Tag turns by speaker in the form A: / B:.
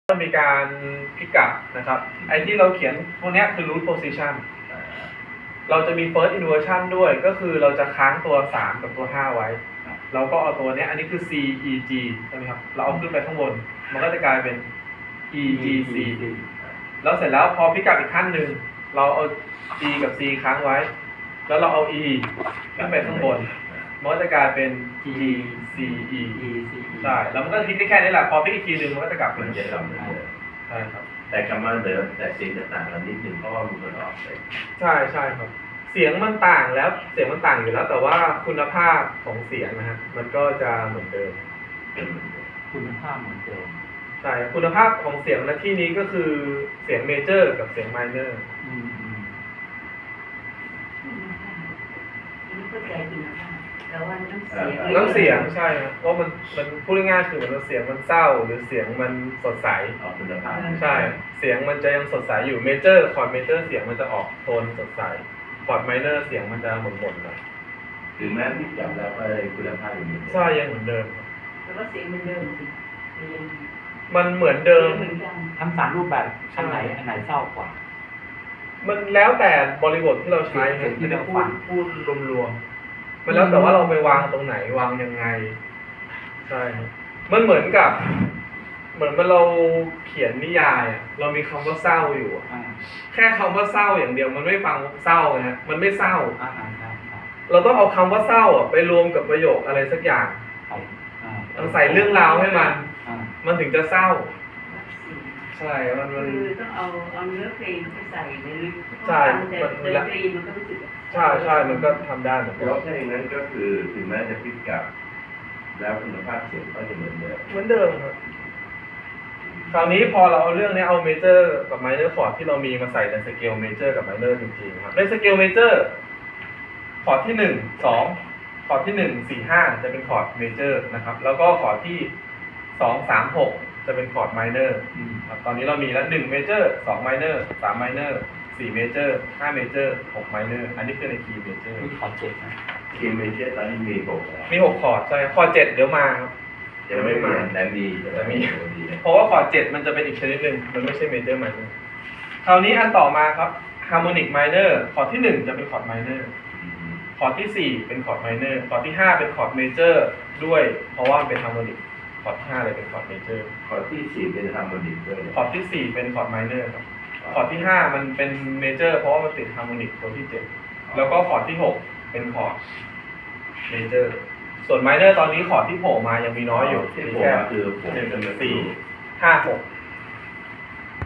A: ก็มีการพิกัดนะครับไอ้ที่เราเขียนพวกนี้คือ root position เราจะมี first inversion ด้วยก็คือเราจะค้างตัว3กับตัว5ไว้เราก็เอาตัวนี้อันนี้คือ C E G ใช่ไหมครับเราเอาขึ้นไปข้างบนมันก็จะกลายเป็น E G C แล้วเสร็จแล้วพอพิกัดอีกขั้นหนึ่งเราเอา G กับ C ค้างไว้แล้วเราเอา E ขึ้นไปข้างบนมันก็จะกลายเป็น G C E ใช่แล้วมันก็จะพลิกได้แค่นี้แหละพอพลิกอีกทีหนึ่งมันก็จะกลับ
B: มันจะกลับมาเดิม
A: ใช่ครับ
B: แต่คำว่าเดิมแต่เสียงจะต่างกันนิดนึงเพราะว่ามันออกไป
A: ใช่ครับเสียงมันต่างแล้วเสียงมันต่างอยู่แล้วแต่ว่าคุณภาพของเสียงนะฮะมันก็จะเหมือนเดิม
C: คุณภาพเหมือนเดิม
A: ใช่คุณภาพของเสียงในที่นี้ก็คือเสียงเมเจอร์กับเสียงไมเนอร์
D: ไม่เข้าใจคุณภาพแต่ว่าน้ำเสียง
A: น้ำเสียงใช่ครับเพราะมันพูดง่ายๆคือเหมือนเสียงมันเศร้าหรือเสียงมันสดใส
B: ออกคุณภาพ
A: ใช่เสียงมันจะยังสดใสอยู่เมเจอร์คอร์ดเมเจอร์เสียงมันจะออกโทนสดใสคอร์ดไมเนอร์เสียงมันจะหม่นๆหน่อย
B: ถึงแม้ที่จับแล้วก็คุณภาพอย่างนี้
A: ใช่ยังเหมือนเดิม
D: แต่ว่าเสียงมันเดิมสิเสียง
A: มันเหมือนเดิม
D: เหมือนกัน
C: ทั้งสามรูปแบบอันไหนเศร้ากว่า
A: มันแล้วแต่บริบทที่เราใช้
C: เสียงที่
A: ที่
C: เรา
A: เรา
C: ฟัง
A: พูดรวมๆมันแล้วแต่ว่าเราไปวางตรงไหนวางยังไงใช่ครับมันเหมือนกับเหมือนเราเขียนนิยายอ่ะเรามีคำว่าเศร้าอยู่อะแค่คำว่าเศร้าอย่างเดียวมันไม่ฟังเศร้านะฮะมันไม่เศร้าเราต้องเอาคำว่าเศร้าอ่ะไปรวมกับประโยคอะไรสักอย่างต้องใส่เรื่องราวให้มันถึงจะเศร้าใช่มัน
D: คือต้องเอาเนื้อเพลงไปใส่ในลึก
A: ใช่
D: แต่ดนตรีมันก็รู้สึก
A: ใช่มันก็ทำได้เหมือน
B: เพ
A: กัน
B: ราะถ้าอย่างนั้นก็คือถึงแม้จะพิกัดแล้วคุณภาพเสียงก็จะเหมือนเดิม
A: เหมือนเดิมครับคราวนี้พอเราเอาเรื่องนี้เอาเมเจอร์กับไมเนอร์คอร์ดที่เรามีมาใส่ในสเกลเมเจอร์กับไมเนอร์จริงๆครับในสเกลเมเจอร์คอร์ดที่1 2คอร์ดที่1 4 5จะเป็นคอร์ดเมเจอร์นะครับแล้วก็คอร์ดที่2 3 6จะเป็นคอร์ดไมเนอร์ครับตอนนี้เรามีแล้ว1เมเจอร์2ไมเนอร์3ไมเนอร์4เมเจอร์5เมเจอร์6ไมเนอร์อันนี้คือในคีย์เมเจอร์
C: มีขอเจ็ดนะ
B: ทีมเมเจอร์ตอนนี้มี6แล้ว
A: มี6คอร์ดใช่คอร์ด7เดี๋ยวมาครับ
B: ยังไม่มาแต่มี
A: เพราะว่าคอร์ด7มันจะเป็นอีกชนิดหนึ่งมันไม่ใช่เมเจอร์ไมเนอร์คราวนี้อันต่อมาครับฮาร์โมนิกไมเนอร์คอร์ดที่1จะเป็นคอร์ดไมเนอร์คอร์ดที่4เป็นคอร์ดไมเนอร์คอร์ดที่5เป็นคอร์ดเมเจอร์ด้วยเพราะว่าเป็นฮาร์โมนิกคอร์ดที่5เลยเป็นคอร์ดเมเจอร์
B: ข้อที่4เป็นฮาร์โมนิกด้วย
A: คอร์ดที่4เป็นคอร์ดไมเนอร์ครับคอร์ดที่5มันเป็นเมเจอร์เพราะว่ามันติดฮาร์โมนิกตัวที่7แล้วก็คอร์ดที่6เป็นคอร์ดเมเจอร์ส่วนไมเนอร์ตอนนี้คอร์ดที่โผล่มายังมีน้อยอยู่
B: ที่ผมคือผม
A: 1 4 5 6